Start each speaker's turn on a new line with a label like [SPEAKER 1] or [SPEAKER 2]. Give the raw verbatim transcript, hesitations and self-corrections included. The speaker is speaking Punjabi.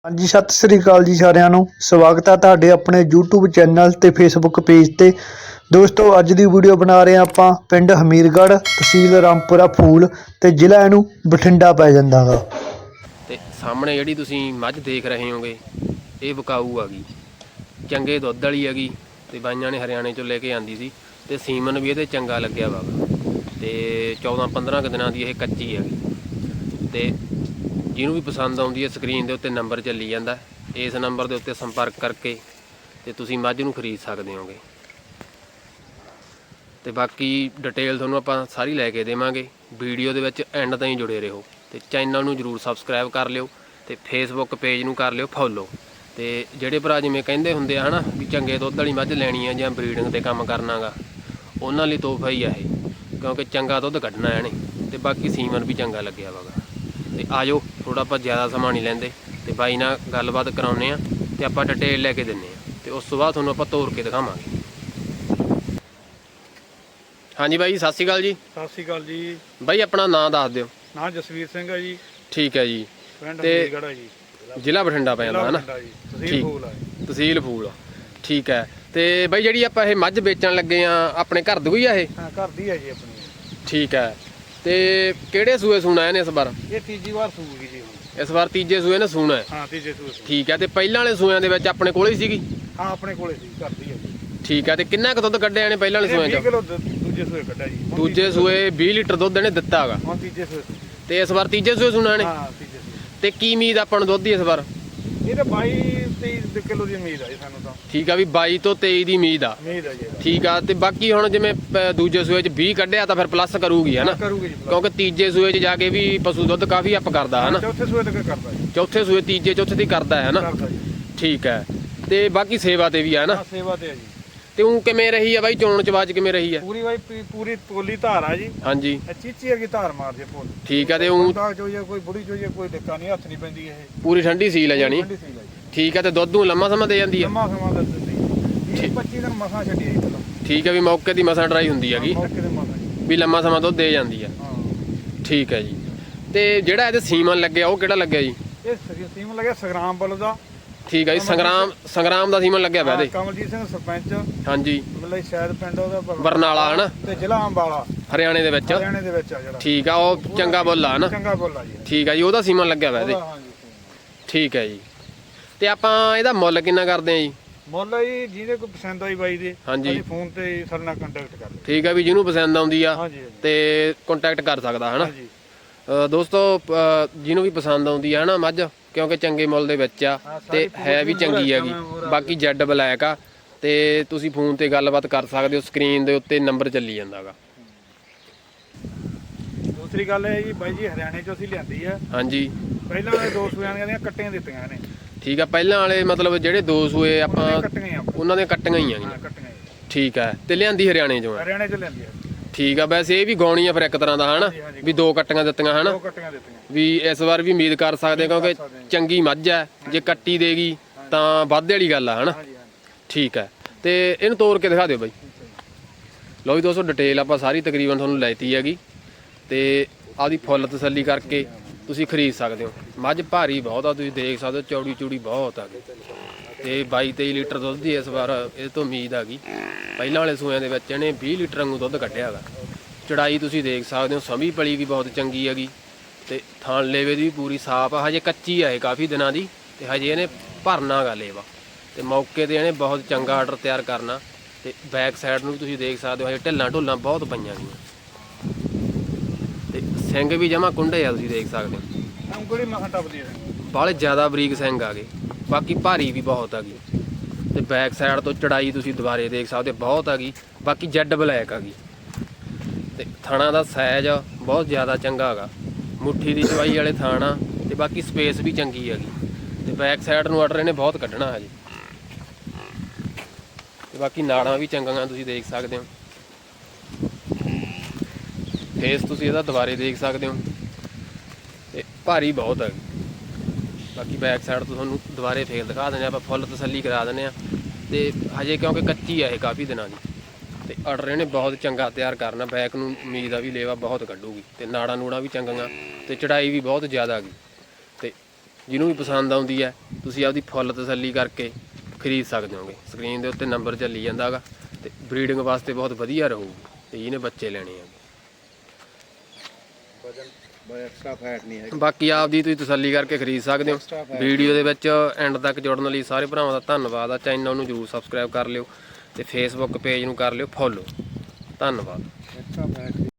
[SPEAKER 1] हाँ जी, सत श्री अकाल जी सारिਆਂ ਨੂੰ ਸਵਾਗਤ ਹੈ ਤੁਹਾਡੇ ਆਪਣੇ YouTube ਚੈਨਲ ਤੇ Facebook ਪੇਜ ਤੇ। ਦੋਸਤੋ ਅੱਜ ਦੀ ਵੀਡੀਓ ਬਣਾ ਰਹੇ ਹਾਂ ਆਪਾਂ ਪਿੰਡ ਹਮੀਰਗੜ੍ਹ ਤਹਿਸੀਲ ਰਾਮਪੁਰਾ ਫੂਲ ਤੇ ਜ਼ਿਲ੍ਹਾ ਇਹਨੂੰ ਬਠਿੰਡਾ ਪੈ ਜਾਂਦਾ ਗਾ।
[SPEAKER 2] ਤੇ ਸਾਹਮਣੇ ਜਿਹੜੀ ਤੁਸੀਂ ਮੱਝ ਦੇਖ ਰਹੇ ਹੋਗੇ ਇਹ ਵਿਕਾਊ ਆ ਗਈ, ਚੰਗੇ ਦੁੱਧ ਵਾਲੀ ਹੈਗੀ ਤੇ ਬਾਈਆਂ ਨੇ ਹਰਿਆਣੇ ਚੋਂ ਲੈ ਕੇ ਆਂਦੀ ਸੀ ਤੇ ਸੀਮਨ ਵੀ ਇਹਦੇ ਚੰਗਾ ਲੱਗਿਆ ਵਾ ਤੇ ਚੌਦਾਂ ਪੰਦਰਾਂ ਕੁ ਦਿਨਾਂ ਦੀ ਇਹ ਕੱਚੀ ਹੈਗੀ। ਤੇ ਜਿਹਨੂੰ ਵੀ ਪਸੰਦ ਆਉਂਦੀ ਹੈ ਸਕਰੀਨ ਦੇ ਉੱਤੇ ਨੰਬਰ ਚੱਲੀ ਜਾਂਦਾ, ਇਸ ਨੰਬਰ ਦੇ ਉੱਤੇ ਸੰਪਰਕ ਕਰਕੇ ਤੇ ਤੁਸੀਂ ਮੱਝ ਨੂੰ ਖਰੀਦ ਸਕਦੇ ਹੋਗੇ। ਤੇ ਬਾਕੀ ਡਿਟੇਲ ਤੁਹਾਨੂੰ ਆਪਾਂ ਸਾਰੀ ਲੈ ਕੇ ਦੇਵਾਂਗੇ, ਵੀਡੀਓ ਦੇ ਵਿੱਚ ਐਂਡ ਤਾਈਂ ਜੁੜੇ ਰਹੋ ਤੇ ਚੈਨਲ ਨੂੰ ਜ਼ਰੂਰ ਸਬਸਕ੍ਰਾਈਬ ਕਰ ਲਿਓ ਤੇ ਫੇਸਬੁੱਕ ਪੇਜ ਨੂੰ ਕਰ ਲਿਓ ਫੋਲੋ। ਤੇ ਜਿਹੜੇ ਭਰਾ ਜਿਵੇਂ ਕਹਿੰਦੇ ਹੁੰਦੇ ਆ ਹਨਾ ਵੀ ਚੰਗੇ ਦੁੱਧ ਵਾਲੀ ਮੱਝ ਲੈਣੀ ਆ ਜਾਂ ਬਰੀਡਿੰਗ ਤੇ ਕੰਮ ਕਰਨਾ ਗਾ, ਉਹਨਾਂ ਲਈ ਤੋਹਫਾ ਹੀ ਆ ਇਹ, ਕਿਉਂਕਿ ਚੰਗਾ ਦੁੱਧ ਕੱਢਣਾ ਇਹਨੇ ਤੇ ਬਾਕੀ ਸੀਮਨ ਵੀ ਚੰਗਾ ਲੱਗਿਆ ਵਾ। ਤੇ ਆ ਜਾਓ, ਥੋੜਾ ਆਪਾਂ ਜ਼ਿਆਦਾ ਸਮਾਂ ਨਹੀਂ ਲੈਂਦੇ ਤੇ ਬਾਈ ਨਾਲ ਗੱਲਬਾਤ ਕਰਾਉਂਦੇ ਆ ਤੇ ਆਪਾਂ ਡਿਟੇਲ ਲੈ ਕੇ ਦਿੰਦੇ ਆ ਤੇ ਉਸ ਤੋਂ ਬਾਅਦ ਤੁਹਾਨੂੰ ਆਪਾਂ ਤੋਰ ਕੇ ਦਿਖਾਵਾਂਗੇ। ਹਾਂਜੀ ਬਾਈ, ਸਤਿ ਸ਼੍ਰੀ ਅਕਾਲ ਜੀ।
[SPEAKER 3] ਸਤਿ ਸ਼੍ਰੀ ਅਕਾਲ ਜੀ
[SPEAKER 2] ਬਾਈ, ਆਪਣਾ ਨਾਂ ਦੱਸ ਦਿਓ।
[SPEAKER 3] ਨਾਂ ਜਸਵੀਰ ਸਿੰਘ ਹੈ ਜੀ।
[SPEAKER 2] ਠੀਕ ਹੈ ਜੀ।
[SPEAKER 3] ਪਿੰਡ
[SPEAKER 2] ਤੇ
[SPEAKER 3] ਹਮੀਰਗੜ੍ਹ ਹੈ ਜੀ,
[SPEAKER 2] ਜ਼ਿਲ੍ਹਾ ਬਠਿੰਡਾ ਪੈ ਜਾਂਦਾ ਹੈ ਨਾ।
[SPEAKER 3] ਤਹਿਸੀਲ ਫੂਲ ਹੈ।
[SPEAKER 2] ਤਹਿਸੀਲ ਫੂਲ, ਠੀਕ ਹੈ। ਤੇ ਬਾਈ ਜਿਹੜੀ ਆਪਾਂ ਇਹ ਮੱਝ ਵੇਚਣ ਲੱਗੇ ਆ ਆਪਣੇ ਘਰ ਦੀ ਹੀ ਆ ਇਹ?
[SPEAKER 3] ਹਾਂ, ਘਰ ਦੀ ਹੈ ਜੀ ਆਪਣੀ।
[SPEAKER 2] ਠੀਕ ਹੈ। ਤੇ ਕਿਹੜੇ ਸੂਏ ਸੂਣਾ ਇਹਨੇ ਇਸ ਵਾਰ?
[SPEAKER 3] ਇਹ ਤੀਜੀ ਵਾਰ ਸੂਗੀ ਜੀ ਹੁਣ।
[SPEAKER 2] ਇਸ ਵਾਰ ਤੀਜੇ ਸੂਏ ਨੇ ਸੂਣਾ ਹੈ?
[SPEAKER 3] ਹਾਂ, ਤੀਜੇ ਸੂਏ ਸੂ।
[SPEAKER 2] ਠੀਕ ਹੈ। ਤੇ ਪਹਿਲਾਂ ਵਾਲੇ ਸੂਆਂ ਦੇ ਵਿੱਚ ਆਪਣੇ ਕੋਲ ਹੀ ਸੀਗੀ?
[SPEAKER 3] ਹਾਂ, ਆਪਣੇ ਕੋਲੇ ਸੀ, ਘਰ ਦੀ ਹੈ ਜੀ।
[SPEAKER 2] ਠੀਕ ਹੈ। ਤੇ ਕਿੰਨਾ ਕੁ ਦੁੱਧ ਕੱਢਿਆ ਇਹਨੇ ਪਹਿਲਾਂ ਵਾਲੇ ਸੂਆਂ
[SPEAKER 3] ਵੀਹ
[SPEAKER 2] ਚ?
[SPEAKER 3] ਕਿਲੋ ਦੂਜੇ ਸੂਏ ਕੱਢਿਆ ਜੀ।
[SPEAKER 2] ਦੂਜੇ ਸੂਏ ਵੀਹ ਲੀਟਰ ਦੁੱਧ ਇਹਨੇ ਦਿੱਤਾ ਹੈਗਾ
[SPEAKER 3] ਹੁਣ ਤੀਜੇ ਸੂਏ ਸੂ।
[SPEAKER 2] ਤੇ ਇਸ ਵਾਰ ਤੀਜੇ ਸੂਏ ਸੂਣਾ ਨੇ?
[SPEAKER 3] ਹਾਂ, ਤੀਜੇ ਸੂਏ।
[SPEAKER 2] ਤੇ ਕੀ ਉਮੀਦ ਆਪਾਂ ਨੂੰ ਦੁੱਧ ਦੀ ਇਸ ਵਾਰ?
[SPEAKER 3] ਇਹ ਤਾਂ ਬਾਈ ਤੇਈ ਕਿਲੋ ਦੀ ਉਮੀਦ ਹੈ ਜੀ ਸਾਨੂੰ ਤਾਂ।
[SPEAKER 2] ਠੀਕ ਆ, ਵੀ ਬਾਈ ਤੋਂ ਤੇਈ ਦੀ ਉਮੀਦ ਆ।
[SPEAKER 3] ਉਮੀਦ ਹੈ ਜੀ ਇਹਦਾ।
[SPEAKER 2] ਠੀਕ ਆ। ਤੇ ਬਾਕੀ ਹੁਣ ਜਿਵੇਂ ਪ- ਦੂਜੇ ਸੂਏ ਚ ਵੀਹ ਕੱਢਿਆ ਤਾਂ ਫਿਰ ਪਲੱਸ ਕਰੂਗੀ ਹੈ ਨਾ,
[SPEAKER 3] ਕਰੂਗੀ ਜੀ plus।
[SPEAKER 2] ਕਿਉਂਕਿ ਤੀਜੇ ਸੂਏ ਚ ਜਾ ਕੇ ਵੀ ਪਸ਼ੂ ਦੁੱਧ ਕਾਫੀ ਅਪ ਕਰਦਾ ਹੈ ਨਾ।
[SPEAKER 3] ਚੌਥੇ ਸੂਏ ਤੱਕ ਕਰਦਾ ਜੀ।
[SPEAKER 2] ਚੌਥੇ ਸੂਏ ਤੀਜੇ ਚੌਥੇ ਦੀ ਕਰਦਾ ਹੈ ਨਾ।
[SPEAKER 3] ਕਰਦਾ ਜੀ।
[SPEAKER 2] ਠੀਕ ਹੈ। ਤੇ ਬਾਕੀ ਸੇਵਾ ਤੇ ਵੀ ਆ ਨਾ।
[SPEAKER 3] ਹਾਂ, ਸੇਵਾ ਤੇ ਹੈ ਜੀ।
[SPEAKER 2] ਤੇ ਉਹ ਕਿਵੇਂ ਰਹੀ ਆ ਬਾਈ, ਚੋਣ ਚਵਾਜ ਕਿਵੇਂ ਰਹੀ ਆ?
[SPEAKER 3] ਪੂਰੀ ਬਾਈ ਪੀ- ਪੂਰੀ ਪੋਲੀ ਧਾਰ ਆ ਜੀ।
[SPEAKER 2] ਹਾਂਜੀ,
[SPEAKER 3] ਇਹ ਚੀਚੀ ਵਰਗੀ ਧਾਰ ਮਾਰਦੀ ਪੋਲ।
[SPEAKER 2] ਠੀਕ ਆ। ਤੇ ਉਹ
[SPEAKER 3] ਦਾਗ ਚੋਈਏ ਕੋਈ ਬੁੜੀ ਚੋਈਏ ਕੋਈ ਡਿੱਕਾ ਨਹੀਂ, ਹੱਥ ਨਹੀਂ ਪੈਂਦੀ ਇਹ।
[SPEAKER 2] ਪੂਰੀ ਠੰਡੀ ਸੀਲ ਆ ਜਾਣੀ।
[SPEAKER 3] ਠੰਡੀ ਸੀਲ ਆ ਜੀ।
[SPEAKER 2] ਠੀਕ ਆ। ਤੇ ਦੁੱਧ ਨੂੰ ਲੰਮਾ ਸਮਾਂ ਦੇ ਜਾਂਦੀ ਆ?
[SPEAKER 3] ਲੰਮਾ ਸਮਾਂ ਦੱਸ ਦਿੰਦੀ ਵੀਹ ਪੱਚੀ ਦਿਨ ਮਸਾਂ ਛੱਡੀ ਆਈ ਪਹਿਲਾਂ।
[SPEAKER 2] ਠੀਕ ਆ, ਵੀ ਮੌਕੇ ਦੀ ਮਸਾਂ ਡਰਾਈ ਹੁੰਦੀ ਹੈਗੀ,
[SPEAKER 3] ਮੌਕੇ ਦੇ ਮਸਾਂ ਜੀ।
[SPEAKER 2] ਵੀ ਲੰਮਾ ਸਮਾਂ ਦੁੱਧ ਦੇ ਜਾਂਦੀ ਆ।
[SPEAKER 3] ਹਾਂ,
[SPEAKER 2] ਠੀਕ ਹੈ ਜੀ। ਤੇ ਜਿਹੜਾ ਇਹਦੇ ਸੀਮਨ ਲੱਗਿਆ ਉਹ ਕਿਹੜਾ ਲੱਗਿਆ ਜੀ?
[SPEAKER 3] ਇਹ ਸਰੀ- ਸੀਮਨ ਲੱਗਿਆ ਸੰਗਰਾਮ ਵੱਲੋਂ ਦਾ।
[SPEAKER 2] ਠੀਕ ਹੈ ਜੀ। ਸੰਗਰਾਮ ਸੰਗਰਾਮ ਦਾ ਸੀਮਨ ਲੱਗਿਆ ਵਾ
[SPEAKER 3] ਹਾਂ,
[SPEAKER 2] ਇਹਦੇ?
[SPEAKER 3] ਕਮਲਜੀਤ ਸਿੰਘ ਸਰਪੰਚ,
[SPEAKER 2] ਹਾਂਜੀ,
[SPEAKER 3] ਮਤਲਬ ਸ਼ਾਇਦ ਪਿੰਡ ਉਹਦਾ ਬਰ-
[SPEAKER 2] ਬਰਨਾਲਾ ਹਨਾ,
[SPEAKER 3] ਤੇ ਜ਼ਿਲ੍ਹਾ ਅੰਬਾਲਾ
[SPEAKER 2] ਹਰਿਆਣੇ ਦੇ ਵਿੱਚ।
[SPEAKER 3] ਹਰਿਆਣੇ ਦੇ ਵਿੱਚ ਆ ਜਿਹੜਾ।
[SPEAKER 2] ਠੀਕ ਆ, ਉਹ ਚੰਗਾ ਬੁੱਲ ਆ ਹਨਾ।
[SPEAKER 3] ਚੰਗਾ ਬੋਲਾ ਜੀ।
[SPEAKER 2] ਠੀਕ ਆ ਜੀ, ਉਹਦਾ ਸੀਮਨ ਲੱਗਿਆ ਵਾ ਇਹਦੇ?
[SPEAKER 3] ਉਹਦਾ, ਹਾਂ ਜੀ।
[SPEAKER 2] ਠੀਕ ਹੈ ਜੀ। ਤੇ ਆਪਾਂ ਇਹਦਾ ਮੁੱਲ ਕਿੰਨਾ ਕਰਦੇ ਆ ਜੀ?
[SPEAKER 3] ਮੁੱਲ ਹੈ ਜੀ, ਜਿਹਦੇ ਕੋਈ ਪਸੰਦ ਆਈ ਬਾਈ ਦੇ
[SPEAKER 2] ਹਾਂਜੀ।
[SPEAKER 3] ਅਸੀਂ ਫੋਨ ਤੇ ਹੀ ਸਾਡੇ ਨਾਲ ਕੰਟੈਕਟ ਕਰ ਲਿਓ।
[SPEAKER 2] ਠੀਕ ਆ, ਵੀ ਜਿਹਨੂੰ ਪਸੰਦ ਆਉਂਦੀ ਆ
[SPEAKER 3] ਹਾਂਜੀ, ਹਾਂਜੀ।
[SPEAKER 2] ਤੇ ਕੰਟੈਕਟ ਕਰ ਸਕਦਾ ਹਨਾ।
[SPEAKER 3] ਹਾਂਜੀ।
[SPEAKER 2] ਅ, ਦੋਸਤੋ, ਅ, ਜਿਹਨੂੰ ਵੀ ਪਸੰਦ ਆਉਂਦੀ ਆ ਹਨਾ ਮੱਝ, ਕਿਉਂਕਿ ਚੰਗੇ ਮੁੱਲ ਦੇ ਵਿੱਚ ਆ
[SPEAKER 3] ਹਾਂ,
[SPEAKER 2] ਤੇ
[SPEAKER 3] ਸਾਰੀ
[SPEAKER 2] ਹੈ ਵੀ
[SPEAKER 3] ਪੂਰੀ
[SPEAKER 2] ਚੰਗੀ ਹੈਗੀ।
[SPEAKER 3] ਜਮਾਂ ਪੂਰਾ।
[SPEAKER 2] ਬਾਕੀ ਜੈਡ ਬਲੈਕ ਆ ਤੇ ਤੁਸੀਂ ਫੋਨ ਤੇ ਗੱਲਬਾਤ ਕਰ ਸਕਦੇ ਹੋ, ਸਕਰੀਨ ਦੇ ਉੱਤੇ ਨੰਬਰ ਚੱਲੀ ਜਾਂਦਾਗਾ।
[SPEAKER 3] ਦੂਸਰੀ ਗੱਲ ਇਹ ਜੀ ਬਾਈ ਜੀ, ਹਰਿਆਣੇ ਚੋਂ ਅਸੀਂ ਲਿਆਂਦੀ ਆ।
[SPEAKER 2] ਹਾਂਜੀ,
[SPEAKER 3] ਪਹਿਲਾਂ ਵਾਲੇ ਦੋ ਸੂਆਂ ਦੀਆਂ ਕੱਟੀਆਂ ਦਿੱਤੀਆਂ ਨੇ।
[SPEAKER 2] ਠੀਕ ਆ। ਪਹਿਲਾਂ ਵਾਲੇ ਮਤਲਬ ਜਿਹੜੇ ਦੋ ਸੂਏ ਆਪਾਂ
[SPEAKER 3] ਉਹਨਾਂ ਦੀਆਂ ਕੱਟੀਆਂ ਆ।
[SPEAKER 2] ਉਹਨਾਂ ਦੀਆਂ ਕੱਟੀਆਂ ਹੀ ਆ
[SPEAKER 3] ਹਾਂ,
[SPEAKER 2] ਗਈਆਂ।
[SPEAKER 3] ਕੱਟੀਆਂ ਜੀ।
[SPEAKER 2] ਠੀਕ ਆ। ਤੇ ਲਿਆਂਦੀ ਹਰਿਆਣੇ ਚੋਂ ਆ?
[SPEAKER 3] ਹਰਿਆਣੇ ਚੋਂ ਲਿਆਂਦੀ ਆ।
[SPEAKER 2] ਠੀਕ ਆ। ਵੈਸੇ ਇਹ ਵੀ ਗਾਉਣੀ ਆ ਫਿਰ ਇੱਕ ਤਰ੍ਹਾਂ ਦਾ ਹਨਾ,
[SPEAKER 3] ਹਾਂਜੀ, ਹਾਂਜੀ।
[SPEAKER 2] ਵੀ ਦੋ ਕੱਟੀਆਂ ਦਿੱਤੀਆਂ ਹਨਾ,
[SPEAKER 3] ਦੋ ਕੱਟੀਆਂ ਦਿੱਤੀਆਂ।
[SPEAKER 2] ਵੀ ਇਸ ਵਾਰ ਵੀ ਉਮੀਦ ਕਰ ਸਕਦੇ ਹਾਂ, ਕਿਉਂਕਿ
[SPEAKER 3] ਸਕਦੇ ਹਾਂ।
[SPEAKER 2] ਚੰਗੀ ਮੱਝ ਹੈ, ਜੇ ਕੱਟੀ ਦੇਗੀ ਤਾਂ ਵਾਧੇ ਵਾਲੀ ਗੱਲ ਆ ਹਨਾ।
[SPEAKER 3] ਹਾਂਜੀ, ਹਾਂਜੀ।
[SPEAKER 2] ਠੀਕ ਹੈ। ਤੇ ਇਹਨੂੰ ਤੋੜ ਕੇ ਦਿਖਾ ਦਿਓ ਬਾਈ। ਲਓ ਜੀ ਦੋਸਤੋ, ਡਿਟੇਲ ਆਪਾਂ ਸਾਰੀ ਤਕਰੀਬਨ ਤੁਹਾਨੂੰ ਲੈਤੀ ਹੈਗੀ ਤੇ ਆਪਦੀ ਫੁੱਲ ਤਸੱਲੀ ਕਰਕੇ ਤੁਸੀਂ ਖਰੀਦ ਸਕਦੇ ਹੋ। ਮੱਝ ਭਾਰੀ ਬਹੁਤ ਆ, ਤੁਸੀਂ ਦੇਖ ਸਕਦੇ ਹੋ, ਚੌੜੀ ਚੂੜੀ ਬਹੁਤ ਆ ਗਈ ਤੇ ਬਾਈ ਤੇਈ ਲੀਟਰ ਦੁੱਧ ਦੀ ਇਸ ਵਾਰ ਇਹ ਤੋਂ ਉਮੀਦ ਆ ਗਈ। ਪਹਿਲਾਂ ਵਾਲੇ ਸੂਆਂ ਦੇ ਵਿੱਚ ਇਹਨੇ ਵੀਹ ਲੀਟਰ ਵਾਂਗੂ ਦੁੱਧ ਕੱਢਿਆ ਹੈਗਾ। ਚੜਾਈ ਤੁਸੀਂ ਦੇਖ ਸਕਦੇ ਹੋ, ਸਮੀ ਪਲੀ ਵੀ ਬਹੁਤ ਚੰਗੀ ਹੈਗੀ ਤੇ ਥਣ ਲੇਵੇ ਦੀ ਵੀ ਪੂਰੀ ਸਾਫ ਆ। ਹਜੇ ਕੱਚੀ ਆ ਇਹ ਕਾਫੀ ਦਿਨਾਂ ਦੀ ਤੇ ਹਜੇ ਇਹਨੇ ਭਰਨਾ ਗਾ ਲੇਵਾ ਤੇ ਮੌਕੇ ਤੇ ਇਹਨੇ ਬਹੁਤ ਚੰਗਾ ਆਰਡਰ ਤਿਆਰ ਕਰਨਾ। ਤੇ ਬੈਕ ਸਾਈਡ ਨੂੰ ਵੀ ਤੁਸੀਂ ਦੇਖ ਸਕਦੇ ਹੋ, ਹਜੇ ਢਿੱਲਾਂ ਢੁੱਲਾਂ ਬਹੁਤ ਪਈਆਂ ਗਈਆਂ ਤੇ ਸਿੰਘ ਵੀ ਜਮਾ ਕੁੰਡੇ ਆ, ਤੁਸੀਂ ਦੇਖ ਸਕਦੇ ਹੋ।
[SPEAKER 3] ਉਂਗਲੀ ਮਸਾਂ ਟੱਪਦੀ ਹੈ।
[SPEAKER 2] ਬਾਹਲੇ ਜ਼ਿਆਦਾ ਬਰੀਕ ਸਿੰਘ ਆ ਗਏ, ਬਾਕੀ ਭਾਰੀ ਵੀ ਬਹੁਤ ਆ ਗਈ ਤੇ ਬੈਕ ਸਾਈਡ ਤੋਂ ਚੜਾਈ ਤੁਸੀਂ ਦੁਬਾਰੇ ਦੇਖ ਸਕਦੇ ਹੋ, ਬਹੁਤ ਆ ਗਈ। ਬਾਕੀ ਜੈਡ ਬਲੈਕ ਆ ਗਈ ਤੇ ਥਣਾ ਦਾ ਸਾਈਜ਼ ਬਹੁਤ ਜ਼ਿਆਦਾ ਚੰਗਾ ਹੈਗਾ, ਮੁੱਠੀ ਦੀ ਚਵਾਈ ਵਾਲੇ ਥਣ ਆ ਤੇ ਬਾਕੀ ਸਪੇਸ ਵੀ ਚੰਗੀ ਹੈਗੀ ਤੇ ਬੈਕ ਸਾਈਡ ਨੂੰ ਆਰਡਰ ਇਹਨੇ ਬਹੁਤ ਕੱਢਣਾ ਹਜੇ ਤੇ ਬਾਕੀ ਨਾੜਾਂ ਵੀ ਚੰਗੀਆਂ ਤੁਸੀਂ ਦੇਖ ਸਕਦੇ ਹੋ। ਫੇਸ ਤੁਸੀਂ ਇਹਦਾ ਦੁਬਾਰੇ ਦੇਖ ਸਕਦੇ ਹੋ ਤੇ ਭਾਰੀ ਬਹੁਤ ਹੈ। ਬਾਕੀ ਬੈਕ ਸਾਈਡ ਤੋਂ ਤੁਹਾਨੂੰ ਦੁਬਾਰੇ ਫੇਰ ਦਿਖਾ ਦਿੰਦੇ ਆਪਾਂ, ਫੁੱਲ ਤਸੱਲੀ ਕਰਾ ਦਿੰਦੇ ਆ ਤੇ ਹਜੇ ਕਿਉਂਕਿ ਕੱਚੀ ਆ ਇਹ ਕਾਫੀ ਦਿਨਾਂ ਦੀ ਤੇ ਆਰਡਰ ਇਹਨੇ ਬਹੁਤ ਚੰਗਾ ਤਿਆਰ ਕਰਨਾ। ਬੈਕ ਨੂੰ ਉਮੀਦ ਆ ਵੀ ਲੇਵਾ ਬਹੁਤ ਕੱਢੂਗੀ ਤੇ ਨਾੜਾਂ ਨੂੜਾਂ ਵੀ ਚੰਗੀਆਂ ਤੇ ਚੜਾਈ ਵੀ ਬਹੁਤ ਜ਼ਿਆਦਾ ਗਈ ਤੇ ਜਿਹਨੂੰ ਵੀ ਪਸੰਦ ਆਉਂਦੀ ਹੈ ਤੁਸੀਂ ਆਪਦੀ ਫੁੱਲ ਤਸੱਲੀ ਕਰਕੇ ਖਰੀਦ ਸਕਦੇ ਹੋਗੇ। ਸਕਰੀਨ ਦੇ ਉੱਤੇ ਨੰਬਰ ਚੱਲੀ ਜਾਂਦਾ ਹੈਗਾ ਤੇ ਬਰੀਡਿੰਗ ਵਾਸਤੇ ਬਹੁਤ ਵਧੀਆ ਰਹੂਗੀ ਤੇ ਇਹਨੇ ਬੱਚੇ ਲੈਣੇ ਆ।
[SPEAKER 3] ਐਕਸਟਰਾ ਫੈਟ ਨਹੀਂ ਹੈ।
[SPEAKER 2] ਬਾਕੀ ਆਪਦੀ ਤੁਸੀਂ ਤਸੱਲੀ ਕਰਕੇ ਖਰੀਦ ਸਕਦੇ ਹੋ। ਵੀਡੀਓ ਦੇ ਵਿੱਚ ਐਂਡ ਤੱਕ ਜੁੜਨ ਲਈ ਸਾਰੇ ਭਰਾਵਾਂ ਦਾ ਧੰਨਵਾਦ ਆ। ਚੈਨਲ ਨੂੰ ਜਰੂਰ ਸਬਸਕ੍ਰਾਈਬ ਕਰ ਲਿਓ ਤੇ ਫੇਸਬੁੱਕ ਪੇਜ ਨੂੰ ਕਰ ਲਿਓ ਫੋਲੋ। ਧੰਨਵਾਦ।